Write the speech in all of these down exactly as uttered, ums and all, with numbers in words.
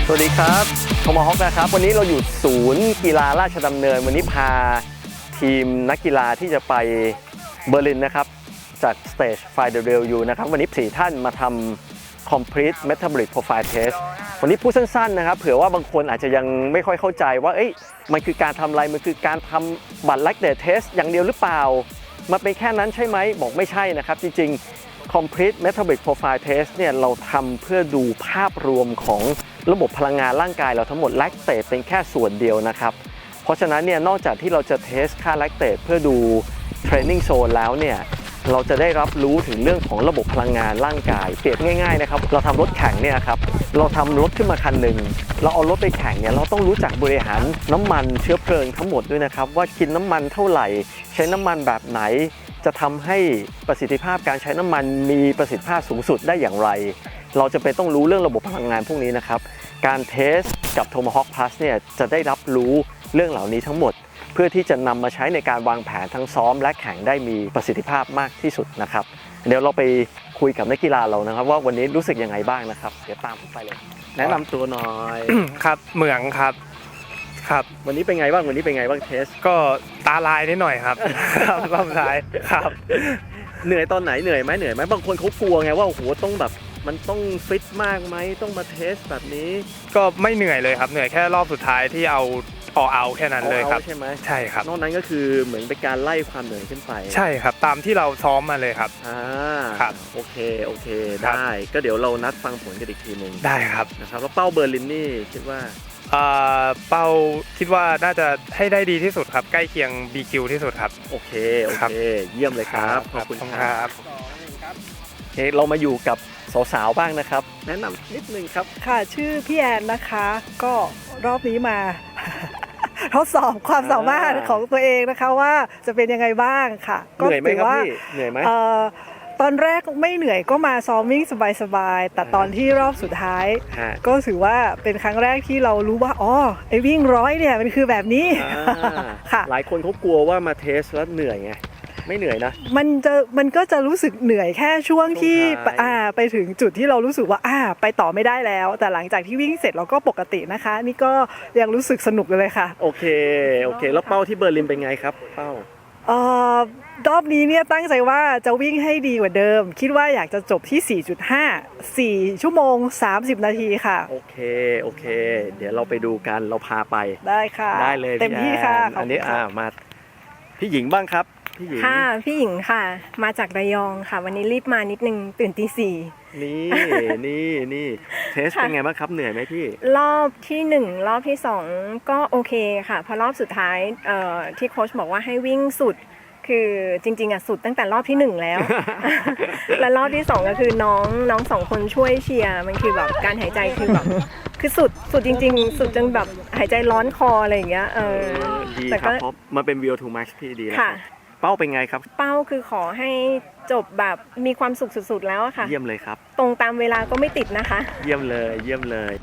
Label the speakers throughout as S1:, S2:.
S1: สวัสดีครับโทมาฮอกนะครับวันนี้เราอยู่ศูนย์กีฬาราชดำเนินวันนี้พาทีมนักกีฬาที่จะไปเบอร์ลินนะครับจาก Stage ไฟ ดับเบิลยู นะครับวันนี้สี่ท่านมาทำ Complete Metabolic Profile Test วันนี้พูดสั้นๆนะครับเผื่อว่าบางคนอาจจะยังไม่ค่อยเข้าใจว่าเอ้ยมันคือการทำอะไรมันคือการทำบัตร Lactate Test อย่างเดียวหรือเปล่ามันเป็นแค่นั้นใช่ไหมบอกไม่ใช่นะครับจริงๆ Complete Metabolic Profile Test เนี่ยเราทำเพื่อดูภาพรวมของระบบพลังงานร่างกายเราทั้งหมด Lactate เป็นแค่ส่วนเดียวนะครับเพราะฉะนั้นเนี่ยนอกจากที่เราจะเทสค่า Lactate เพื่อดู Training Zone แล้วเนี่ยเราจะได้รับรู้ถึงเรื่องของระบบพลังงานร่างกายเปรียบง่ายๆนะครับเราทำรถแข่งเนี่ยครับเราทำรถขึ้นมาคันหนึ่งเราเอารถไปแข่งเนี่ยเราต้องรู้จักบริหารน้ำมันเชื้อเพลิงทั้งหมดด้วยนะครับว่ากินน้ำมันเท่าไหร่ใช้น้ำมันแบบไหนจะทำให้ประสิทธิภาพการใช้น้ำมันมีประสิทธิภาพสูงสุดได้อย่างไรเราจะเป็นต้องรู้เรื่องระบบพลังงานพวกนี้นะครับการเทสกับ Tomahawk Plus เนี่ยจะได้รับรู้เรื่องเหล่านี้ทั้งหมดเพื่อที่จะนำมาใช้ในการวางแผนทั้งซ้อมและแข่งได้มีประสิทธิภาพมากที่สุดนะครับเดี๋ยวเราไปคุยกับนักกีฬาเรานะครับว่าวันนี้รู้สึกยังไงบ้างนะครับเดี๋ยวตามผมไปเลยแนะนำตัวหน่อย
S2: ครับเหมืองครับครับ
S1: วันนี้เป็นไงบ้างวันนี้เป็นไงบ้างเทส
S2: ก็ตาลายนิดหน่อยครับครับรอบท้ายครับ
S1: เหนื่อยตอนไหนเหนื่อยไหมเหนื่อยไหมบางคนเขากลัวไงว่าโอ้โหต้องแบบมันต้องฟิตมากไหมต้องมาเทสแบบนี้
S2: ก็ไม่เหนื่อยเลยครับเหนื่อยแค่รอบสุดท้ายที่เอาออเอาแค่นั้นเลยครับ
S1: ใช่ไหม
S2: ใช่ครับ
S1: นอกนั้นก็คือเหมือนเป็นการไล่ความเหนื่อยขึ้นไป
S2: ใช่ครับตามที่เราซ้อมมาเลยครับ
S1: อ่า
S2: ครับ
S1: โอเคโอเคได้ก็เดี๋ยวเรานัดฟังผลกันอีกทีนึง
S2: ได้ครับ
S1: นะครับแล้วเป้าเบอร์ลินนี่คิดว่า
S2: เป้าคิดว่าน่าจะให้ได้ดีที่สุดครับใกล้เคียง บี คิว ที่สุดครับ
S1: โอเคโอเคเยี่ยมเลยครับขอบคุณ
S2: ครับ
S1: โอเคเรามาอยู่กับสาวๆบ้างนะครับแนะนำนิดนึงครับ
S3: ค่ะชื่อพี่แอนนะคะก็รอบนี้มา ทดสอบความสามารถของตัวเองนะคะว่าจะเป็นยังไงบ้างค่ะ
S1: เหนื่อยไหมครับพี่เหนื่อยไหม
S3: ตอนแรกไม่เหนื่อยก็มาซ้อมวิ่งสบายๆแต่ตอนที่รอบสุดท้ายก็ถือว่าเป็นครั้งแรกที่เรารู้ว่าอ๋อไอ้วิ่งร้อยเนี่ยมันคือแบบนี้
S1: ค่ะหลายคนเขากลัวว่ามาเทสแล้วเหนื่อยไงไม่เหนื่อยนะ
S3: มันจะมันก็จะรู้สึกเหนื่อยแค่ช่วงที่อ่าไปถึงจุดที่เรารู้สึกว่าอ่าไปต่อไม่ได้แล้วแต่หลังจากที่วิ่งเสร็จเราก็ปกตินะคะนี่ก็ยังรู้สึกสนุกเลยค่ะ
S1: โอเคโอเคแล้วเป้าที่เบอร์ลินเป็นไงครับเป้า
S3: เอ่อรอบนี้เนี่ยตั้งใจว่าจะวิ่งให้ดีกว่าเดิมคิดว่าอยากจะจบที่ สี่จุดห้า สี่ชั่วโมงสามสิบนาทีค่ะ
S1: โอเคโอเคเดี๋ยวเราไปดูกันเราพาไป
S3: ได้ค่ะ
S1: ได้เลย
S3: เต็มที่ค่ะ
S1: อันนี้อ่ามาพี่หญิงบ้างครับพี่หญิง
S4: ค่ะพี่หญิงค่ะมาจากระยองค่ะวันนี้รีบมานิดนึงตื่นตีสี่
S1: นี่นี่นี่เทสเป็นไงบ้างครับเหนื่อยไหมพี่
S4: รอบที่หนึ่งรอบที่สองก็โอเคค่ะพอรอบสุดท้ายเอ่อที่โค้ชบอกว่าให้วิ่งสุดคือจริงๆอ่ะสุดตั้งแต่รอบที่หนึ่งแล้ว และรอบที่สองก็คือน้องน้องสองคนช่วยเชียร์มันคือแบบการหายใจคือแบบคือสุดสุดจริงๆสุดจนแบบหายใจร้อนคออะไรอย่างเงี้ยเออ
S1: ดีครับเพราะมันเป็น วี โอ ทู Max ที่ดีแล้วเป้าเป็นไงครับ
S4: เป้าคือขอให้จบแบบมีความสุขสุดๆแล้วอะค่ะ
S1: เยี่ยมเลยครับ
S4: ตรงตามเวลาก็ไม่ติดนะคะ
S1: เยี่ยมเลยเยี่ยมเลย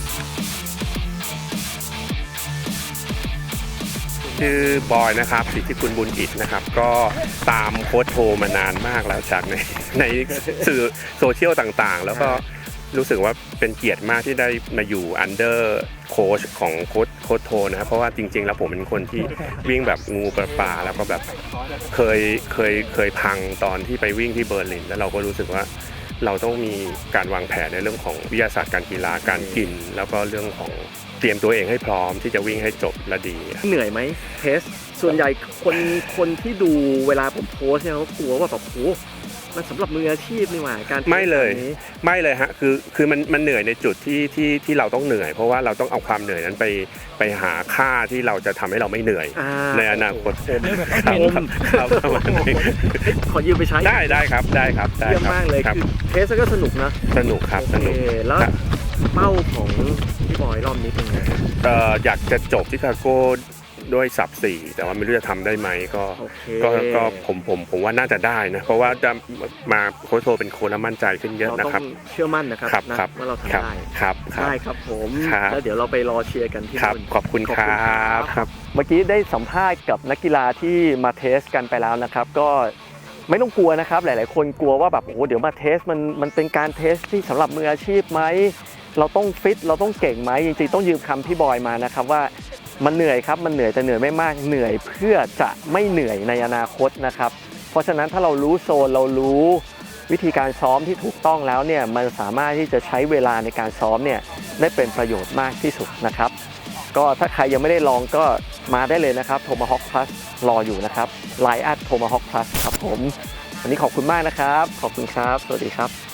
S5: ชื่อบอยนะครับสิทธิคุณบุญอิฐนะครับก็ตามโค้ชโทมานานมากแล้วจากในในสื่อโซเชียลต่างๆแล้วก็รู้สึกว่าเป็นเกียรติมากที่ได้มาอยู่อันเดอร์โค้ชของโค้ชโค้ชโทนะครับเพราะว่าจริงๆแล้วผมเป็นคนที่วิ่งแบบงูปลาปลาแล้วก็แบบเคยเคยเคยพังตอนที่ไปวิ่งที่เบอร์ลินแล้วเราก็รู้สึกว่าเราต้องมีการวางแผนในเรื่องของวิทยาศาสตร์การกีฬาการกินแล้วก็เรื่องของเตรียมตัวเองให้พร้อมที่จะวิ่งให้จบและดี
S1: เหนื่อยไหมเทสส่วนใหญ่คนคนที่ดูเวลาผมโพสเนี่ยเขากลัวว่าแบบโอ้มันสำหรับมืออาชีพนี่หว่าการ
S5: ไม่เลยไม่เลยฮะคือคือมันมันเหนื่อยในจุดที่ที่ที่เราต้องเหนื่อยเพราะว่าเราต้องเอาความเหนื่อยนั้นไปไปหาค่าที่เราจะทำให้เราไม่เหนื่อยในอนาคต
S1: ครับครับขอยืมไปใช้
S5: ได้ได้ครับได้ครับ
S1: เยี่ยมมากเลยคือเทสก็สนุกนะ
S5: สนุกครับสนุก
S1: แล้วเป้าของพี่บอยรอบนี้เป็นไง
S5: อยากจะจบที่คาโก้ด้วยสับสี่แต่ว่าไม่รู้จะทำได้ไหมก็ก็ก็ผมผมผมว่าน่าจะได้นะเพราะว่าจะมาโค้ชโทเป็นโค้ชแล้วมั่นใจขึ้นเยอะนะครับ
S1: เราต้องเชื่อมั่นนะครับว่าเราทำได้
S5: ครับ
S1: ได้ครับผมแล้วเดี๋ยวเราไปรอเชียร์กันที่
S5: นู่นขอบคุณครับ
S1: ครับเมื่อกี้ได้สัมภาษณ์กับนักกีฬาที่มาเทสกันไปแล้วนะครับก็ไม่ต้องกลัวนะครับหลายๆคนกลัวว่าแบบโอ้เดี๋ยวมาเทสมันมันเป็นการเทสที่สำหรับมืออาชีพไหมเราต้องฟิตเราต้องเก่งไหมจริงๆต้องยืมคำพี่บอยมานะครับว่ามันเหนื่อยครับมันเหนื่อยแต่เหนื่อยไม่มากเหนื่อยเพื่อจะไม่เหนื่อยในอนาคตนะครับเพราะฉะนั้นถ้าเรารู้โซนเรารู้วิธีการซ้อมที่ถูกต้องแล้วเนี่ยมันสามารถที่จะใช้เวลาในการซ้อมเนี่ยได้เป็นประโยชน์มากที่สุดนะครับก็ถ้าใครยังไม่ได้ลองก็มาได้เลยนะครับ Tomahawk Plus รออยู่นะครับ ไลน์ แอท Tomahawk Plus ครับผมวันนี้ขอบคุณมากนะครับขอบคุณครับสวัสดีครับ